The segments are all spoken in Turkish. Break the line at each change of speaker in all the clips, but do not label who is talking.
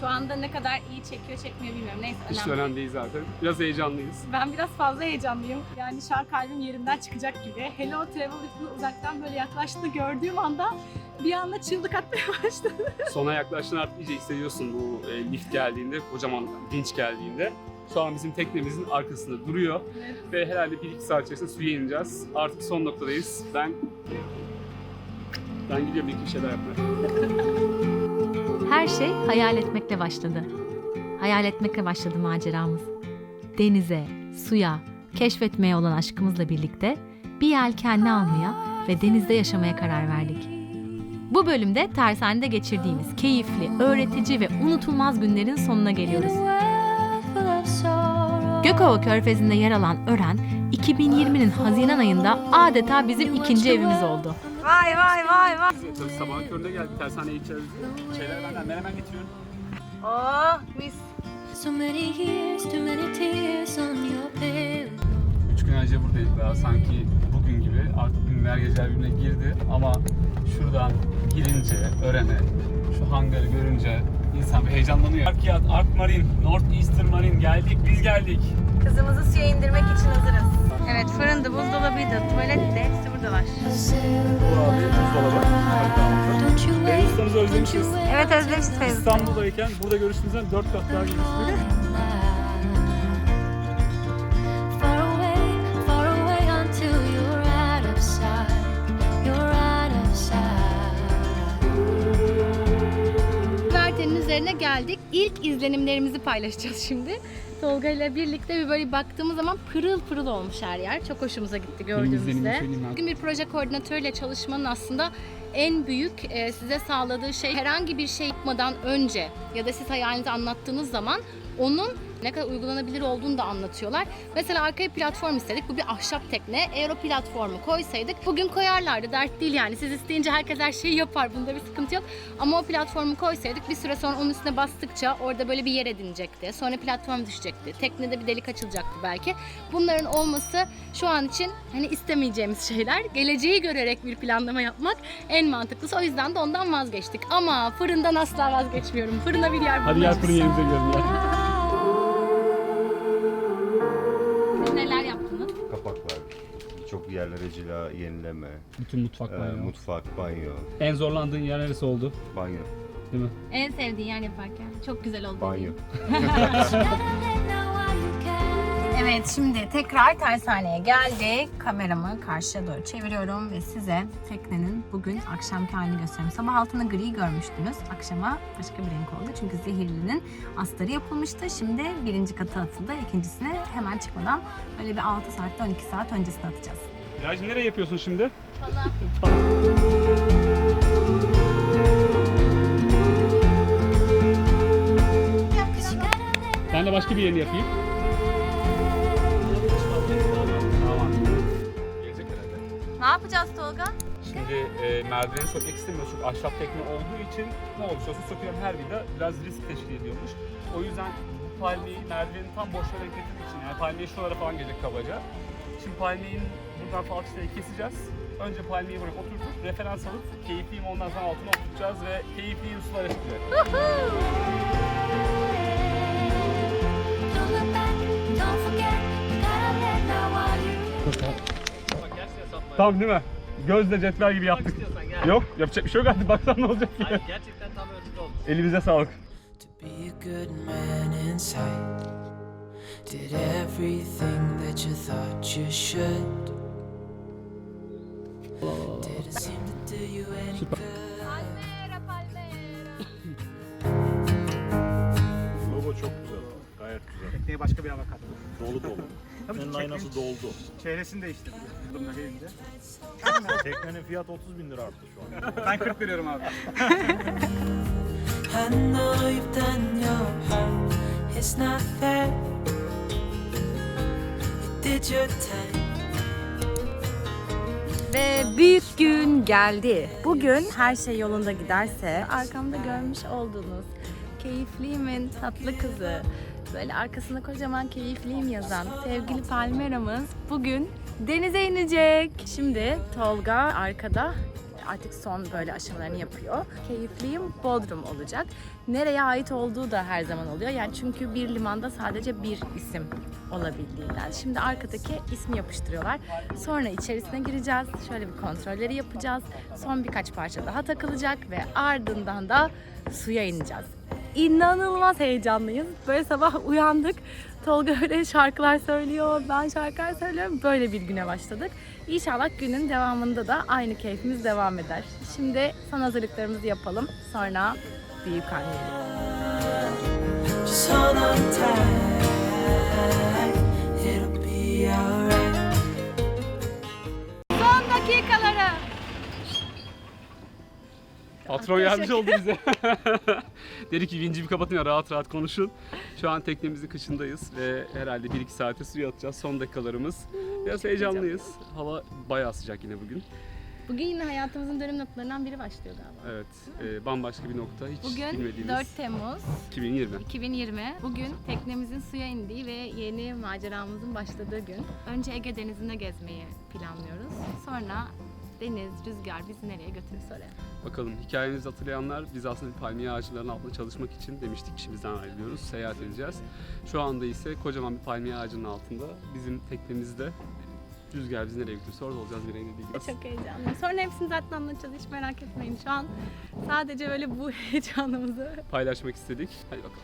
Şu anda ne kadar iyi çekiyor çekmiyor bilmiyorum. Neyse
Hiç
önemli.
önemli değil zaten. Biraz heyecanlıyız.
Ben biraz fazla heyecanlıyım. Yani şu an kalbim yerinden çıkacak gibi. Hello Travel Lift'in uzaktan böyle yaklaştığını gördüğüm anda bir anda çığlık atmaya başladı.
Sona yaklaştığını artık iyice hissediyorsun bu lift geldiğinde, kocaman vinç geldiğinde. Şu an bizim teknemizin arkasında duruyor.
Evet.
Ve herhalde 1-2 saat içerisinde suya ineceğiz. Artık son noktadayız. Ben gidiyorum bir şeyler yapmaya.
Her şey hayal etmekle başladı. Hayal etmekle başladı maceramız. Denize, suya, keşfetmeye olan aşkımızla birlikte bir yelkenli almaya ve denizde yaşamaya karar verdik. Bu bölümde tersanede geçirdiğimiz keyifli, öğretici ve unutulmaz günlerin sonuna geliyoruz. Gökova Körfezi'nde yer alan Ören, 2020'nin Haziran ayında adeta bizim ikinci evimiz oldu.
Vay vay vay vay.
Tabii sabahın köründe geldik. Tersaneye gideceğiz. Şeyler benden. Ben hemen getiriyorum.
Oh mis.
So many years, too many tears on your pillow.
3 gün önce buradaydık daha. Sanki bugün gibi. Artık günler geceler birbirine girdi. Ama şuradan girince, Ören'e, şu hangarı görünce insan bir heyecanlanıyor. Arkiyat, Ark Marine, North Eastern Marine geldik. Biz geldik.
Kızımızı suya indirmek için hazırız. Evet, fırındı, buzdolabıydı, tuvalet de hepsi buradalar.
Bu abi buzdolabı.
Don't you
Deniz
wait,
ustamızı özlemişiz.
Evet, özlemişiz Feyzi.
İstanbul'dayken burada görüştüğümüzden 4 kat daha geliştik.
far away until you're out of sight. You're out of sight.
Güvertenin üzerine geldik. İlk izlenimlerimizi paylaşacağız şimdi. Tolga ile birlikte bir böyle baktığımız zaman pırıl pırıl olmuş her yer. Çok hoşumuza gitti
izlenimimi
gördüğümüzde.
söyleyeyim ben.
Bugün bir proje koordinatörüyle çalışmanın aslında en büyük size sağladığı şey herhangi bir şey yapmadan önce ya da siz hayalinizi anlattığınız zaman onun ne kadar uygulanabilir olduğunu da anlatıyorlar. Mesela arkaya platform istedik. Bu bir ahşap tekne. Eğer o platformu koysaydık bugün koyarlardı. Dert değil yani. Siz isteyince herkes her şeyi yapar. Bunda bir sıkıntı yok. Ama o platformu koysaydık bir süre sonra onun üstüne bastıkça orada böyle bir yer edinecekti. Sonra platform düşecekti. Teknede bir delik açılacaktı belki. Bunların olması şu an için hani istemeyeceğimiz şeyler. Geleceği görerek bir planlama yapmak en mantıklısı. O yüzden de ondan vazgeçtik. Ama fırından asla vazgeçmiyorum. Fırına bir yer
Hadi gel
bulmamız.
fırın yerimize gidelim ya.
Neler yaptınız?
Kapaklar, birçok yerlere cila, yenileme,
Bütün mutfak var ya.
mutfak, banyo,
En zorlandığın yer neresi oldu?
banyo,
Değil mi?
En sevdiğin yer yaparken. Çok güzel oldu.
banyo.
Evet, şimdi tekrar tersaneye geldik. Kameramı karşıya doğru çeviriyorum ve size teknenin bugün akşamki halini gösteriyorum. Sabah altında gri görmüştünüz. Akşama başka bir renk oldu. Çünkü zehirlinin astarı yapılmıştı. Şimdi birinci katı atıldı. İkincisine hemen çıkmadan böyle bir 6 saatte 12 saat öncesine atacağız.
Virajı nereye yapıyorsun şimdi? Ben de başka bir yerini yapayım. Tamam. Gelecek herhalde.
Ne yapacağız Tolga?
Şimdi merdiveni sökmek istemiyoruz çünkü ahşap tekne olduğu için ne olursa olsun sökülen her vida biraz risk teşkil ediyormuş. O yüzden bu palmiyeyi merdivenin tam boşluğa denk getirmek için yani palmiye şuralara falan gelecek kabaca. Şimdi palmiyenin buradan falçatayı keseceğiz. Önce palmiyeyi buraya oturtup referans alıp keyifliyim ondan sonra altına oturtacağız ve keyifliyim sulara çıkacak.
Don't look back, don't forget, you gotta let now while you
Tamam değil mi? Gözle cetvel gibi yaptık. Yok yapacak bir şey yok artık baksan ne olacak ki?
Gerçekten tam ölçülü oldu.
Elimize sağlık.
To be a good man inside. Did everything that you thought you should. Did it seem to do you any good?
Logo çok güzel. Gayet güzel.
Tekneye başka bir hava kattı.
Dolu dolu. Teknenin aynası doldu.
Çehresini değiştirdim. Durumda gelince.
Teknenin fiyatı 30.000 lira arttı şu an.
Ben 40 veriyorum abi.
I know you've done your part. It's not fair. You did your time.
Ve büyük gün geldi. Bugün her şey yolunda giderse arkamda görmüş olduğunuz Keyifliyim'in tatlı kızı, böyle arkasında kocaman Keyifliyim yazan sevgili Palmera'mız bugün denize inecek. Şimdi Tolga arkada
artık son böyle aşamalarını yapıyor. Keyifliyim Bodrum olacak. Nereye ait olduğu da her zaman oluyor. Yani çünkü bir limanda sadece bir isim olabildiğinden. Şimdi arkadaki ismi yapıştırıyorlar. Sonra içerisine gireceğiz. Şöyle bir kontrolleri yapacağız. Son birkaç parça daha takılacak ve ardından da suya ineceğiz. İnanılmaz heyecanlıyız. Böyle sabah uyandık. Tolga öyle şarkılar söylüyor, ben şarkılar söylüyorum. Böyle bir güne başladık. İnşallah günün devamında da aynı keyfimiz devam eder. Şimdi son hazırlıklarımızı yapalım. Sonra büyük anneyle.
Just hold on tight, it'll be alright.
Son dakikaları.
Patron yardımcı oldu bize. Dedi ki vinci bir kapatın ya rahat rahat konuşun. Şu an teknemizin kışındayız ve herhalde 1-2 saate suya atacağız. Son dakikalarımız. Biraz heyecanlıyız. Hava bayağı sıcak yine bugün.
Bugün yine hayatımızın dönüm noktalarından biri başlıyor galiba.
Evet, bambaşka bir nokta. Hiç
Bugün
bilmediğimiz
4 Temmuz
2020.
2020. Bugün teknemizin suya indiği ve yeni maceramızın başladığı gün. Önce Ege Denizi'nde gezmeyi planlıyoruz. Sonra deniz, rüzgar bizi nereye götürürse oraya.
Bakalım hikayemizi hatırlayanlar biz aslında bir palmiye ağacılarının altında çalışmak için demiştik işimizden ayrılıyoruz, seyahat edeceğiz. Şu anda ise kocaman bir palmiye ağacının altında bizim teknemizde rüzgar bizi nereye götürürse orada olacağız, bir rengi bileceğiz.
Çok heyecanlıyım. Sonra hepsini zaten anlatacağız, hiç merak etmeyin. Şu an sadece böyle bu heyecanımızı
Paylaşmak istedik. Hadi bakalım.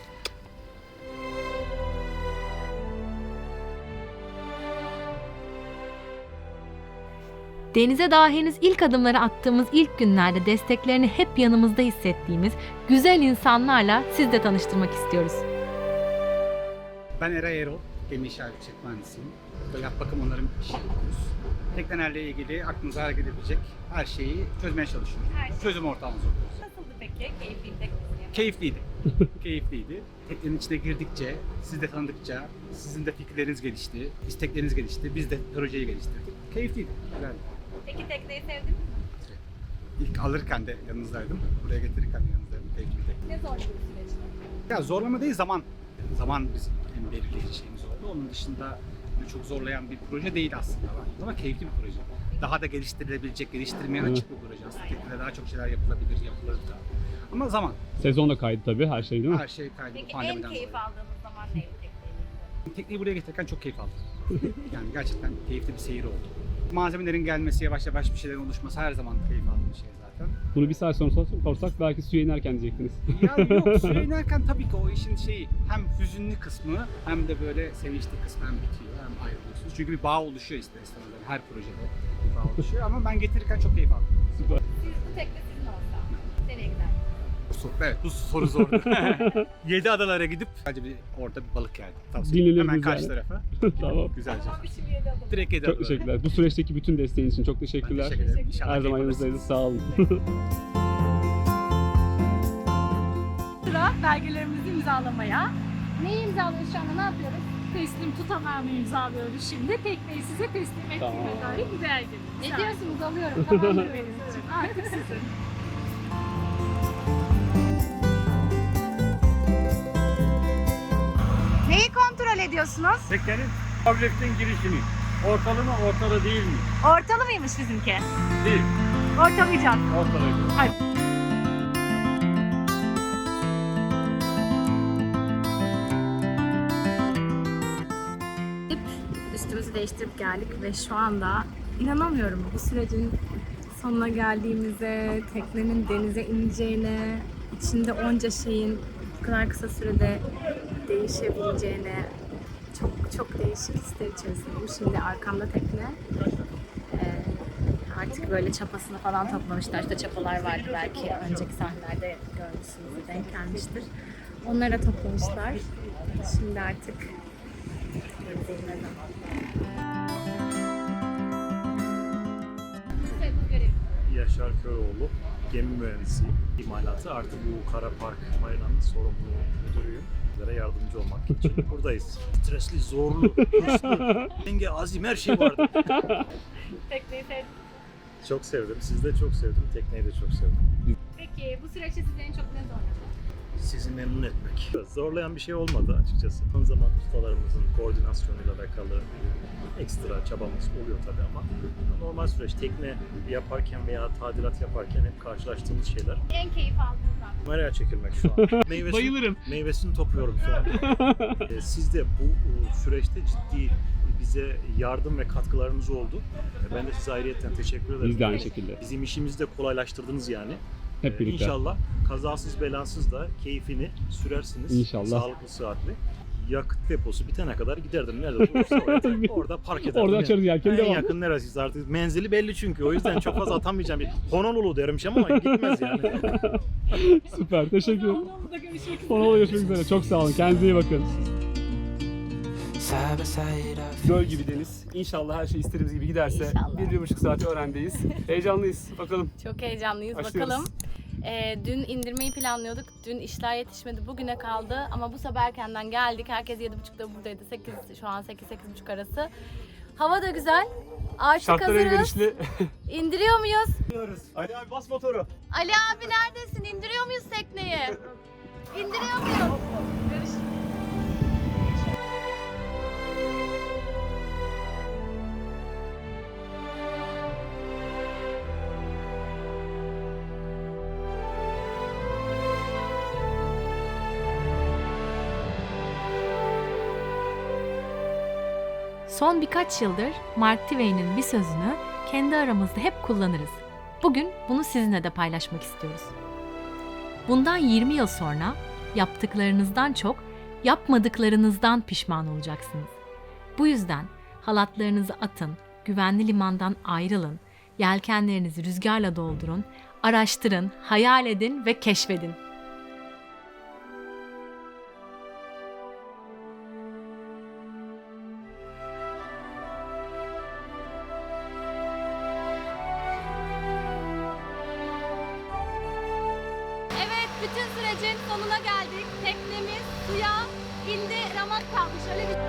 Denize daha henüz ilk adımları attığımız ilk günlerde desteklerini hep yanımızda hissettiğimiz güzel insanlarla siz de tanıştırmak istiyoruz.
Ben Eray Erol, gemi inşaat mühendisiyim. Burada yap bakım onarım işi yapıyoruz. Teknelerle ilgili aklınıza hareket edebilecek her şeyi çözmeye çalışıyoruz. Çözüm ortağımız oluyoruz.
nasıldı peki? Keyifliydi teknesi.
Keyifliydi. Keyifliydi. Teknenin içine girdikçe, siz de tanıdıkça sizin de fikirleriniz gelişti, istekleriniz gelişti. Biz de projeyi geliştirdik. Keyifliydi. Güzeldi.
Peki tekneyi sevdin mi?
İlk alırken de yanınızdaydım. Buraya getirirken de yanınızdaydım. Keyifliydi.
Ne zorlu bir süreçti?
Ya zorlama değil, zaman. Zaman bizim en belirleyici şeyimiz oldu. Onun dışında çok zorlayan bir proje değil aslında. Ama keyifli bir proje. Daha da geliştirilebilecek, geliştirmeye açık bir proje aslında. Teknede daha çok şeyler yapılabilir, yapılır da. Ama zaman.
Sezon da kaydı tabii her şey değil mi?
Her şey kaydı.
Peki en
pandemiden
keyif
dolayı.
aldığınız zaman neydi tekneyi?
Tekneyi buraya getirirken çok keyif aldım. Yani gerçekten keyifli bir seyir oldu. Malzemelerin gelmesi, yavaş yavaş bir şeylerin oluşması her zaman keyif aldığım bir şey zaten.
Bunu bir saat sonra sorsak belki suya inerken diyecektiniz.
Ya yok, suya inerken tabii ki o işin şeyi hem hüzünlü kısmı hem de böyle sevinçli kısmı hem bitiyor hem ayrılıyorsunuz. Çünkü bir bağ oluşuyor ister istemez. Her projede bir bağ oluşuyor ama ben getirirken çok keyif aldım.
Süper.
Siz bu tekne sizin olsa nereye giderdiniz?
Evet, bu soru zordu. 7 adalara gidip sadece bir orada bir balık yerdim. Tavsiye ederim.
Dinlenir
Hemen
güzel.
karşı tarafa.
Tamam.
Güzelce.
Tamam bir şimdi 7 adım.
Direkt 7
Çok
adalara.
teşekkürler. Bu süreçteki bütün desteğiniz için çok teşekkürler.
Ben teşekkür ederim. İnşallah
Her zaman
keyif
yanınızdayız.
alırsınız.
Sağ olun.
Sıra belgelerimizi imzalamaya.
Neyi imzalıyoruz şu anda? Ne yapıyoruz?
Teslim tutanağını imzalıyoruz şimdi. Tekneyi size teslim ettiğime
Tamam.
dair bir belge.
Ne diyorsunuz? Alıyorum. Tamam mı?
Evet, artık sizin.
Neyi kontrol ediyorsunuz?
Teknenin tabletin girişini. Ortalı mı, ortalı değil mi?
Ortalı mıymış bizimki?
Değil.
Ortalayacağız.
Ortalı.
Üstümüzü değiştirip geldik ve şu anda inanamıyorum bu sürecin sonuna geldiğimize, teknenin denize ineceğine, içinde onca şeyin bu kadar kısa sürede değişebileceğine çok değişik hisler içerisindeyim. Şimdi arkamda tekne. Artık böyle çapasını falan toplamışlar. İşte çapalar vardı belki önceki sahnelerde görmüşsünüz, denk gelmiştir. Onlara toplamışlar. Şimdi artık denize inmeden.
Yaşar Köroğlu, gemi mühendisi, imalatı. Artık bu Kara Park Marina'nın sorumlu müdürüyüm. Sizlere yardımcı olmak için buradayız. Stresli, zorlu, hırslı, denge, azim her şey vardı.
Tekneyi sevdim.
Çok sevdim. Siz de çok sevdim. Tekneyi de çok sevdim.
Peki bu süreçte sizi en çok ne zorladı?
sizi memnun etmek. Zorlayan bir şey olmadı açıkçası. Son zaman ustalarımızın koordinasyonuyla alakalı ekstra çabamız oluyor tabii ama normal süreç tekne yaparken veya tadilat yaparken hep karşılaştığımız şeyler.
En keyif aldığınız an.
Kameraya çekilmek şu an.
Bayılırım.
Meyvesini topluyorum şu an. Siz de bu süreçte ciddi bize yardım ve katkılarınız oldu. Ben de size ayrıyeten teşekkür ederim.
Biz de aynı şekilde.
Bizim işimizi de kolaylaştırdınız yani.
Hep birlikte.
İnşallah kazasız belasız da keyfini sürersiniz.
İnşallah.
Sağlıklı, sıhhatli. Yakıt deposu bitene kadar giderdim. Nerede olursa orada park ederdim.
Orada açarız yelkeni,
En
devam.
yakın neresiyse artık. Menzili belli çünkü. O yüzden çok fazla atamayacağım. Honolulu dermiş ama gitmez yani.
Süper. Teşekkür ederim.
Honolulu'da görüşmek üzere.
Honolulu'da görüşmek üzere. Çok sağ olun. Kendinize iyi bakın.
Side by side, I feel
Göl gibi deniz. İnşallah her şey istediğimiz gibi giderse
İnşallah.
1,5 saat öğrendeyiz. Heyecanlıyız. Bakalım.
Çok heyecanlıyız.
Başlıyoruz.
Bakalım. Dün indirmeyi planlıyorduk. Dün işler yetişmedi. Bugüne kaldı. Ama bu sabah erkenden geldik. Herkes 7.30'da buradaydı. 8, şu an 8-8.30 arası. Hava da güzel. Artık
Şartlar
hazırız.
elverişli.
İndiriyor muyuz?
Ali abi bas motoru.
Ali abi neredesin? İndiriyor muyuz tekneyi? İndiriyor muyuz?
Son birkaç yıldır Mark Twain'in bir sözünü kendi aramızda hep kullanırız. Bugün bunu sizinle de paylaşmak istiyoruz. Bundan 20 yıl sonra yaptıklarınızdan çok yapmadıklarınızdan pişman olacaksınız. Bu yüzden halatlarınızı atın, güvenli limandan ayrılın, yelkenlerinizi rüzgarla doldurun, araştırın, hayal edin ve keşfedin.
Evet, bütün sürecin sonuna geldik. Teknemiz suya indi, ramak kalmış. Öyle bir...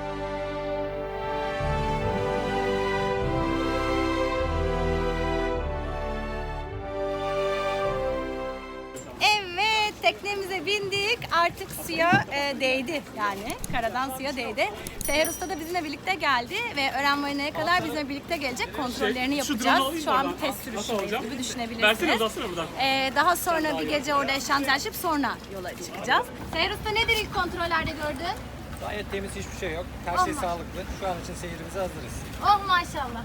Evet, teknemize bindik. Artık suya değdi yani. Karadan suya değdi. Seher Usta da bizimle birlikte geldi ve öğren marinaya kadar bizimle birlikte gelecek. Kontrollerini
Şu drone'u
yapacağız.
alayım
Şu an
oradan.
bir test
Nasıl
sürüşündeyiz
alacağım?
gibi
Versene,
düşünebilirsiniz.
uzatsana buradan.
Daha sonra bir gece orada eşantiyaşıp sonra yola çıkacağız. Seher Usta nedir ilk kontrollerde gördün?
Gayet temiz, hiçbir şey yok. Her şey
Olmaz.
sağlıklı. Şu an için seyirimize hazırız.
Oh maşallah.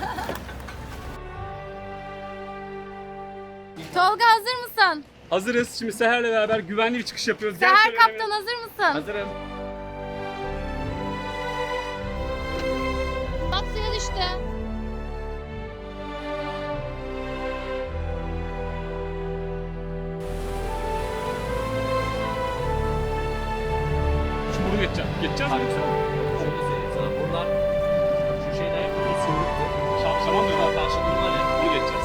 Tolga hazır mısın?
Hazırız. Şimdi Seher'le beraber güvenli bir çıkış yapıyoruz. Gel
Seher
şöyle
kaptan hazır mısın?
Hazırım.
Bak suya düştü.
Şimdi bunu geçeceğim. Geçeceğiz mi?
Şöyle söyleyeyim sana. Buradan şu şeyden yapıyoruz.
Şaman diyorlar. Taşlı durumlar ya. Bunu geçeceğiz.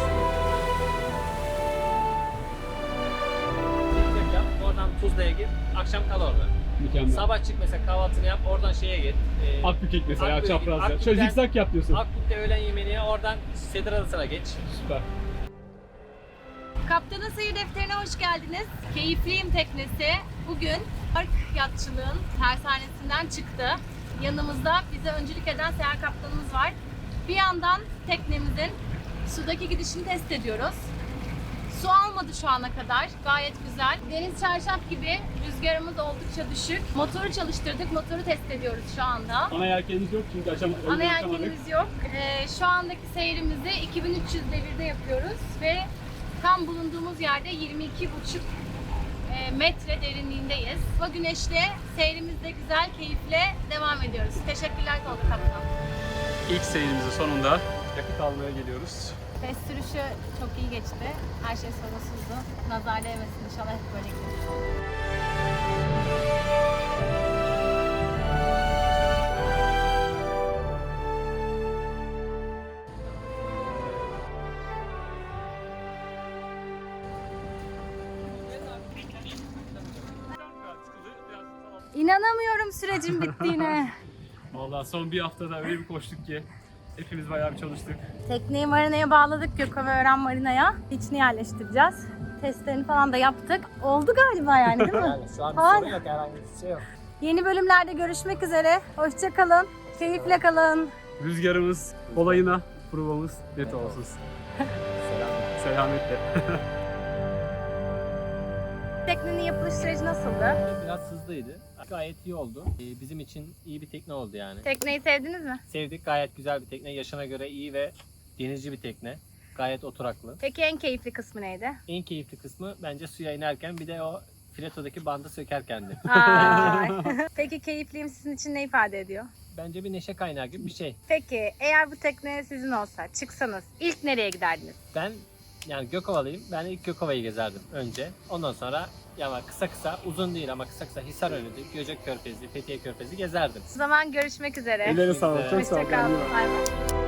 Zikzak yap. Oradan Tuzla'ya git. Akşam kal orada.
Mükemmel.
Sabah çık mesela, kahvaltını yap. Oradan şeye git.
Akbükek mesela
Akbükek,
çaprazda.
Akbük'ten-
Şöyle zikzak yap diyorsun.
Akbük'te öğlen yemeğini, oradan Sedir Adası'na geç.
Süper.
Kaptanın seyir defterine hoş geldiniz. Keyifliyim teknesi bugün park yatçılığın tersanesinden çıktı. Yanımızda bize öncülük eden Seher kaptanımız var. Bir yandan teknemizin sudaki gidişini test ediyoruz. Su almadı şu ana kadar. Gayet güzel. Deniz çarşaf gibi. Rüzgarımız oldukça düşük. Motoru çalıştırdık. Motoru test ediyoruz şu anda.
Ana yelkeniniz yok çünkü açamadık.
Ana yelkenimiz yok. Şu andaki seyrimizi 2300 devirde yapıyoruz ve tam bulunduğumuz yerde 22,5 metre derinliğindeyiz. Hava güneşli, seyrimizde güzel, keyifle devam ediyoruz. Teşekkürler Tolga Kaptan.
İlk seyrimizin sonunda yakıt almaya geliyoruz.
Test sürüşü çok iyi geçti. Her şey sorunsuzdu. Nazar değmesin inşallah, hep böyle gidiyor. İnanamıyorum sürecin bittiğine.
Vallahi son bir haftada öyle bir koştuk ki Hepimiz bayağı bir çalıştık.
Tekneyi marinaya bağladık, Gökovaören Marina'ya. İçini yerleştireceğiz. Testlerini falan da yaptık. Oldu galiba yani değil mi?
Yani şu an bir
Hala.
sorun yok, herhangi bir şey yok.
Yeni bölümlerde görüşmek üzere. Hoşça kalın. Keyifle kalın.
Rüzgarımız olayına provamız net olsun. Selametle.
Teknenin yapılış süreci nasıldı?
Biraz hızlıydı. Gayet iyi oldu. Bizim için iyi bir tekne oldu yani.
Tekneyi sevdiniz mi?
Sevdik, gayet güzel bir tekne. Yaşına göre iyi ve denizci bir tekne. Gayet oturaklı.
Peki en keyifli kısmı neydi?
En keyifli kısmı bence suya inerken bir de o filetodaki bandı sökerkendi.
Ay. Peki keyifliyim sizin için ne ifade ediyor?
Bence bir neşe kaynağı gibi bir şey.
Peki eğer bu tekne sizin olsa çıksanız ilk nereye giderdiniz?
Ben yani Gökovalıyım. Ben ilk Gökova'yı gezerdim önce. Ondan sonra ya kısa uzun değil ama kısa Hisarönü'dü, Göcek Körfezi, Fethiye Körfezi gezerdim.
O zaman görüşmek üzere.
Ellerine sağlık. Çok sağ
Hoşça
olun.
kalın. Bay bay.